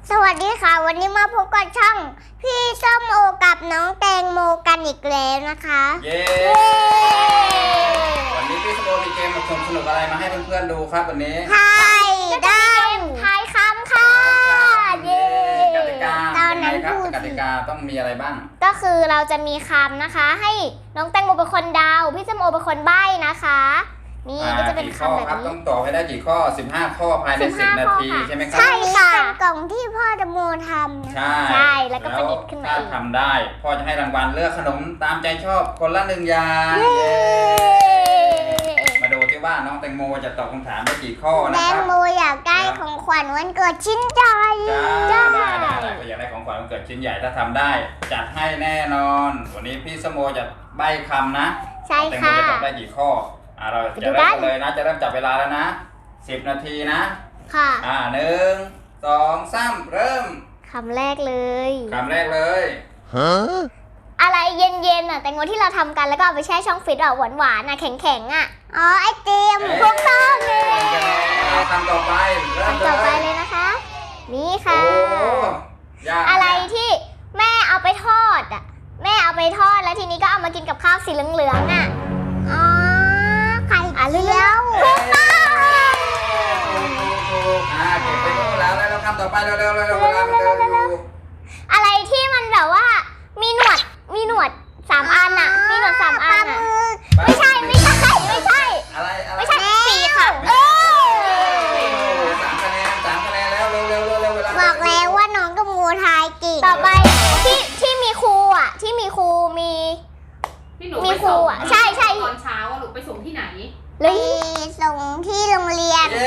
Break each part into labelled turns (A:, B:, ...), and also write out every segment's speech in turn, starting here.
A: สวัสดีค่ะวันนี้มาพบกับช่องพี่ส้มโอกับน้องแตงโมกันอีกแล้วนะคะ
B: เย้วันนี้พี่ส้มโอมีเกมสนุกอะไรมาให้เพื่อนๆดูครับวันนี้
A: ทายได้ทายคำค่ะเย้
B: กติกายังไงครับกติกาต้องมีอะไรบ้าง
A: ก็คือเราจะมีคำนะคะให้น้องแตงโมเป็นคนเดาพี่ส้มโอเป็นคนใบ้นะคะนี่ก็จะเป็นคำแบบนี้
B: ต้องตอบให้ได้กี่ข้อ15ข้อภายใน10นาทีใช่ไหมครับ
A: ใช่ค่ะกล่องที่พ่อแตงโมทำ
B: ใช่
A: แล้วก็ประดิษฐ์ขึ้นมา
B: ถ้าทำได้พ่อจะให้รางวัลเลือกขนมตามใจชอบคนละ1อย่างมาดูที่ว่าน้องแตงโมจะตอบคำถามได้กี่ข้อนะครับแตง
A: โมอยากได้ของขวัญวันเกิดชิ้นใหญ่
B: ได้ก็อยากได้ของขวัญวันเกิดชิ้นใหญ่ถ้าทำได้จัดให้แน่นอนวันนี้พี่ส้มโอจะใบ้คำนะ
A: ใช่ค่ะ
B: แตงโมจะตอบได้กี่ข้อเราจะเริ่มเลยนะจะเริ่มจับเวลาแล้วนะ10นาทีนะ
A: ค่ะ
B: 1 2 3เริ่ม
A: คำแรกเลยอะไรเย็นๆอ่ะแตงโมที่เราทำกันแล้วก็เอาไปแช่ช่องฟรีซอ่ะหวานๆอ่ะแข็งๆอ่ะอ๋อไอติมถูกต้องเลย
B: คำต่อไป
A: เลยนะคะนี่ค่ะอะไรที่แม่เอาไปทอดอ่ะแม่เอาไปทอดแล้วทีนี้ก็เอามากินกับข้าวสีเหลืองๆอ่ะอ๋อไข่เจียวถูกต้อง
B: เก็บไปนู่นแล้วคำต่อไปเร็ว
A: อะไรที่มันแบบว่ามีหนวด3อันน่ะมีหนวด3อันน่ะไม่ใช่ไม่ใช่
B: อะไร
A: ไม่ใช่4ค่ะ
B: 3คะแนนแล้วเร็วเวลา
A: บอกแล้วว่าน้องกับงูทายเก่งต่อไปที่มีครูอ่ะที่มีครูมีครูอ่ะใช่
C: ตอนเช้าหนูไปส่งที่ไหน
A: ไปส่งที่โรงเรียน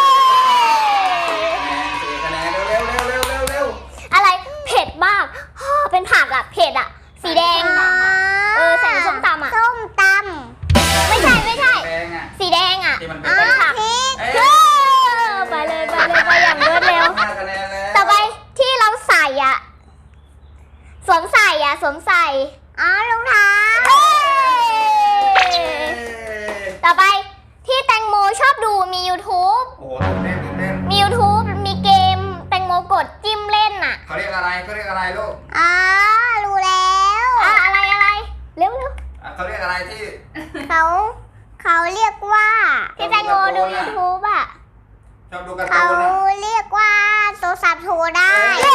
B: 4คะแนนเร็ว
A: อะไรเผ็ดมากเป็นผักอ่ะเผ็ดอ่ะสีแดงใส่ในส้มตำอ่ะส้มตำไม่ใช่สีแดงอ่ะเป็นผักไปเลยอย่างรวดเร็วต่อไปที่เราใส่อ่ะสวมใส่รองเท้าต่อไปที่แตงโมชอบดูมี YouTube มี YouTube มีเกมแตงโมกดจิ้มเล่นน่ะ
B: เขาเรียกอะไรลูก
A: รู้แล้วอะไรเร็ว
B: เขาเรียกอะไรที่
A: เขาเรียกว่าที่แตงโมดู YouTube อ่ะ
B: ชอบดูการ์ตูน
A: เขาเรียกว่าโทรศัพท์โทรได้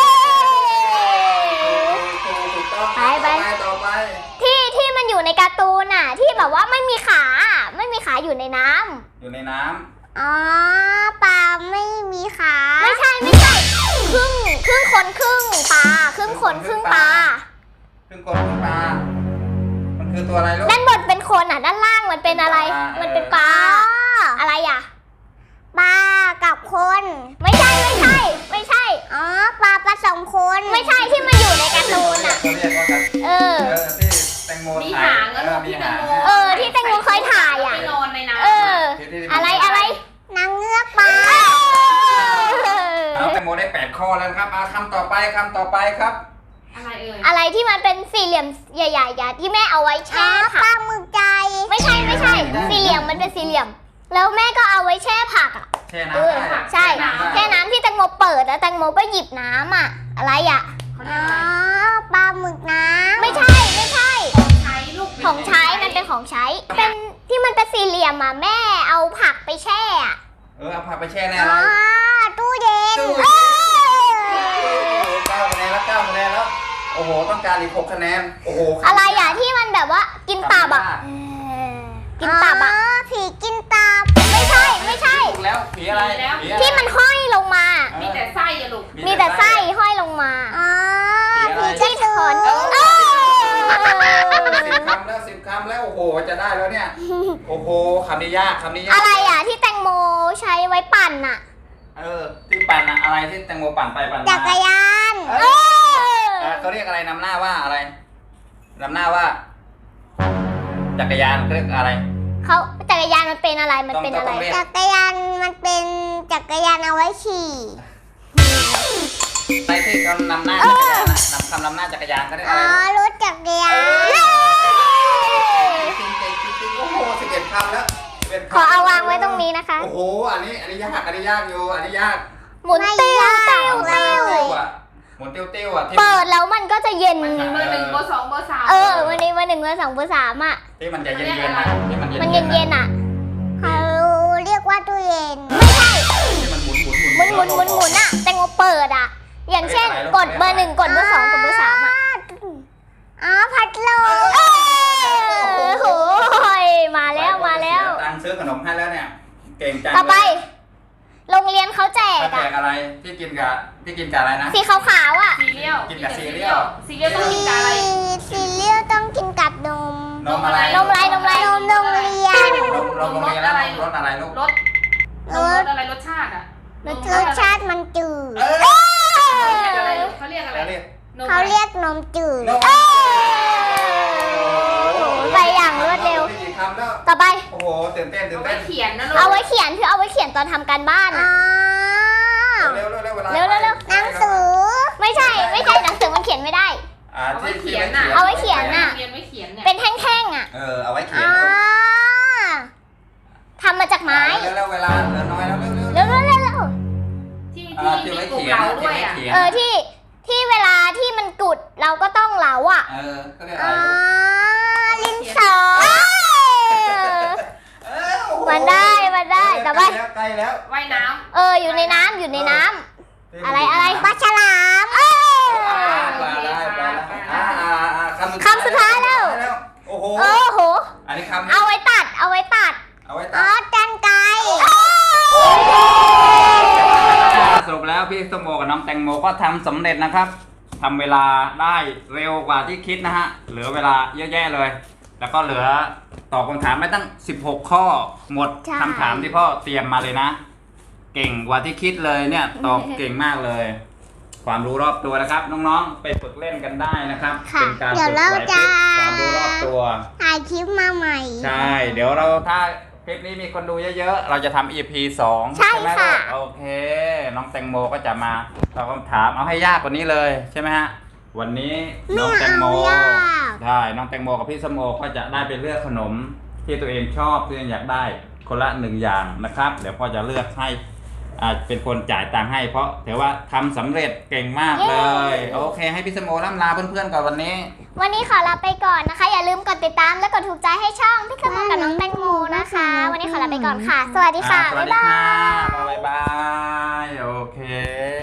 B: ไปต่อไป
A: ที่มันอยู่ในการ์ตูนน่ะที่แบบว่าไม่มีขาอยู่ในน้ำอ๋อปลาไม่มีขาไม่ใช่ครึ่งคนครึ่งปลาครึ่งคนครึ่งปลา
B: มันคือตัวอะไรลูก
A: ด้านบนเป็นคนอ่ะด้านล่างมันเป็นอะไรมันเป็นปลาอะไรอ่ะปลากับคนไม่ใช่อ๋อปลาผสมคนไม่ใช่ที่มันอยู่ในการ์ตูนอ่ะ
B: ที่แตงโม
C: มีหางที่แตงโม
A: ที่แตงโมเคยถ่ายอ่ะ
C: นอนในน้
A: ำอะไรนางเงือกปลา
B: แตงโมได้8ข้อแล้วครับคำต่อไปครับ
A: อะไรที่มันเป็นสี่เหลี่ยมใหญ่ๆที่แม่เอาไว้แช่ผักปลาหมึกใจไม่ใช่สี่เหลี่ยมมันเป็นสี่เหลี่ยมแล้วแม่ก็เอาไว้แช่ผักอ่ะ
B: แช่น้ำ
A: ใช่แช่น้ำที่แตงโมเปิดแล้วแตงโมก็หยิบน้ำอ่ะอะไรอ่ะปลาหมึกน้ำไม่ใช่ของใช้มันเป็นของใช้เป็นที่มันเป็นสี่เหลี่ยมอ่ะแม่เอาผักไปแช่
B: เอาผักไปแช่ในอะไร
A: ตู้เย็น
B: 9 คะแนนแล้วโอ้โหต้องการอีก6 คะแนนโอ้โห
A: อะไรอ่ะที่มันแบบว่ากินตับอ่ะผีกินตับไม่ใช่
B: แล้วผีอะไร
A: ที่มันห้อยลงมา
C: มีแต่ไส้อะลูก
A: มีแต่ไส้ห้อยลงมาผีที่ถอน
B: 10 คำแล้วโอ้โหจะได้แล้วเนี่ยโอ้โหคำนี้ยาก
A: อะไรอ่ะที่แตงโมใช้ไว้ปั่นอ่ะ
B: ที่ปั่นอะอะไรที่แตงโมปั่นไปปั่นมา
A: จักรยาน
B: เขาเรียกอะไรนำหน้าว่าอะไรนำหน้าว่าจักรยานเขาเรียกอะไร
A: เขาจักรยานมันเป็นอะไรจักรยานมันเป็นจักรยานเอาไว้ขี่
B: ใช่ที่เขานำหน้าจักรยานนำหน้าจักรยานเขาเรียกอะไร
A: รถจักรยาน
B: จริงโอ้โห11 คำแล้ว
A: ขอเอาวางไว้ตรงนี้นะคะ
B: โอ้โหอันนี้ยากอยู่อันนี้ยาก
A: หมุนติ้ว
B: มุนเตี้ยวๆอ่ะที่
A: เปิดแล้วมันก็จะเย็น
C: มันมีเบอร์1เบอร์2เบอร์3
A: วันนี้เบอร์ 1เบอร์ 2เบอร์ 3อ่ะ
B: ที่มันจะเย็นๆนะที่มัน
A: มัน
B: เย็นๆ
A: เย็นๆอ่ะ
D: เขาเรียกว่าตู้เย็น
A: ไม่ใช่
B: ที่มันหมุน
A: หมุนอ่ะแตงโมเปิดอ่ะ อย่างเช่นกดเบอร์ 1กดเบอร์ 2กดเบอร์ 3อ่ะ
D: อ๋อพัดลม
A: โหยมาแล้วมาแล้ว
B: ตังค์ซื้อขนมให้แล้วเนี่ยเก่งจัง
A: ต่อไป โรงเรียนเขาแจก
B: เขาแจ
A: อ่ะ
B: กอะไรที่กินกับอะไรนะ
A: สีขาวๆอ่ะ
C: ซีเรียล
B: กินกับซีเรียล
C: ซีเรียลต้องกินกับอะไร
D: ซีเรียลต้องกินกับนม
B: นมอะไร
A: นมอะไร
D: นมโรงเรียน
B: นมโรงเรียนแล้วรสอะไรลูก
C: รสอะไรรสชาติอ่ะ
D: รสชาติมันจืด
C: เขาเรียกอะไร
D: เขาเรียกนมจืด
A: ไปอย่างรวดเร็ว
B: กี่คำแล้ว
A: ต่อไป
B: โอ้โหตื่นเต้น
C: เอาไว้เขียนนะลูก
A: เอาไว้เขียนคือเอาไว้เขียนตอนทำการบ้าน
D: อ๋
A: อ่ะ
D: อ
B: เร็วเร็ว
A: เร็วหนังสือ ไม่ใช่หนังสือมันเขียนไม่ได้
C: เอาไว้เขียนน่ะ
A: เอาไว้เขียนน่ะ
C: เรียนไว้เขียนเนี่ย
A: เป็นแท่งๆอ่ะ
B: เอาไว้เขีย
D: อ๋
B: น
D: อ
A: ทำมาจากไม้
B: เร็วเวลาเหลือน้อยแล้วเร็ว
A: เร็ว
C: ที่
B: ที่
C: มี
B: ไว้
C: กลุ่ม
B: เขียน
C: เราด้วยอ่ะ
A: ที่เวลาที่มันกุดเราก็ต้องเหลาอ่ะ
B: ก็เรียก
D: อ๋
B: อะ
D: อ
B: ไร
D: ลินสอ
A: มันได้แต่ว่า
B: ใกล้แล้ว
C: ว่ายน้
A: อยู่ในน้ำอะไร
D: ปลาฉลาม
A: คำสุดท้ายแล้ว
B: โอ้โห
A: โอ้โห
B: อันนี้คำ
A: เอาไว้ตัด
B: เอาไว้
D: อ๋อ
B: ตัด
D: กันไกร
B: สรุปแล้วพี่สมโมกับน้องแตงโมก็ทำสำเร็จนะครับทำเวลาได้เร็วกว่าที่คิดนะฮะเหลือเวลาเยอะแยะเลย แล้วก็เหลือตอบคำถามไม่ตั้ง16 ข้อหมดคำถามที่พ่อเตรียมมาเลยนะ เก่งกว่าที่คิดเลยเนี่ยตอบเก่งมากเลย ความรู้รอบตัวนะครับ น้องๆไปฝึกเล่นกันได้นะครับเป็นการฝึกไหวพริบความรู้รอบตัว
D: ถ่ายคลิปมาใหม่
B: ใช่ เดี๋ยวเราถ้าคลิปนี้มีคนดูเยอะๆ เราจะทำ EP 2
A: ใช่
B: ไหม
A: ค่ะ
B: ลูกโอเค น้องแตงโมก็จะมาตอบคำถามเอาให้ยากกว่านี้เลยใช่ไหมฮะ วันนี้น้องแตงโม
D: ไม่เอายาก
B: ใช่ น้องแตงโมกับพี่สมโมก็จะได้ไปเลือกขนมที่ตัวเองชอบที่ตัวเองอยากได้คนละ1อย่างนะครับ เดี๋ยวพ่อจะเลือกให้เป็นคนจ่ายตังค์ให้เพราะถือว่าทำสำเร็จเก่งมากเลย โอเค ให้พี่สมโมล่ำลาเพื่อนๆก่อนวันนี้
A: วันนี้ขอลาไปก่อนนะคะ อย่าลืมกดติดตามและกดถูกใจให้ช่องพี่สมองกับน้องแตงโมนะคะ วันนี้ขอลาไปก่อนค่ะ สวัสดีค่ะ
B: สวัสดีค่ะบ๊ายบาย โอเค